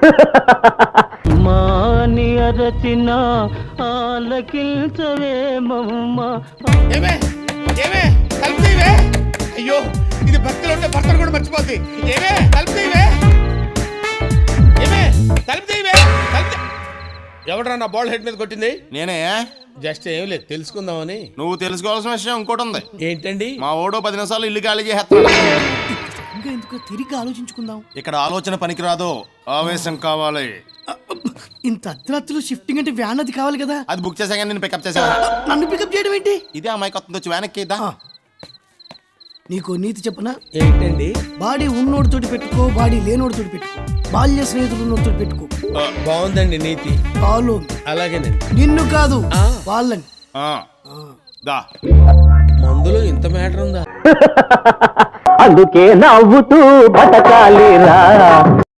మాని అరచిన ఆలకించవేమమ్మ. ఏమే ఏమే తలుపుతీవే. అయ్యో ఇది భక్తిలో ఉంటే భర్తను కూడా మర్చిపోద్ది. ఏమే తలుపుతీవే. ఏమే తలుపుతీవే. ఎవడరా నా బాల్ హెడ్ మీద కొట్టింది? నేనే. జస్ట్ ఏం లేదు తెలుసుకుందామని. నువ్వు తెలుసుకోవాల్సిన విషయం ఇంకోటి ఉంది. ఏంటండి? మా ఓడో 10 నిమిషాలు ఇల్లు ఖాళీ చేస్తాడు. ఎందుకు తిరిగి ఆలోచించుకుందాం. ఇక్కడ ఆలోచన పనికిరాదు, ఆవేశం కావాలి. ఇంత అర్ధరాత్రులు షిఫ్టింగ్ అంటే వ్యాన్ అది కావాలి కదా. అది బుక్ చేసాక నేను పికప్ చేసా. నన్ను పికప్ చేయడం ఏంటి? ఇదే అమ్మాయి కొత్త వచ్చి వ్యాన్ ఎక్కిద్దా. నీకు నీతి చెప్పనా? ఏంటండి? బాడీ ఉన్నోడితోటి పెట్టుకో, బాడీ లేనోడితోటి పెట్టుకో, బాల్య స్నేహితులు ఉన్నోడితోటి పెట్టుకో. బాగుందండి నీతి. కాలు అలాగేనండి. నిన్ను కాదు వాళ్ళని. దా మందులో ఇంత మ్యాటర్ ఉందా? అందుకే నవ్వుతూ బతకాలిరా.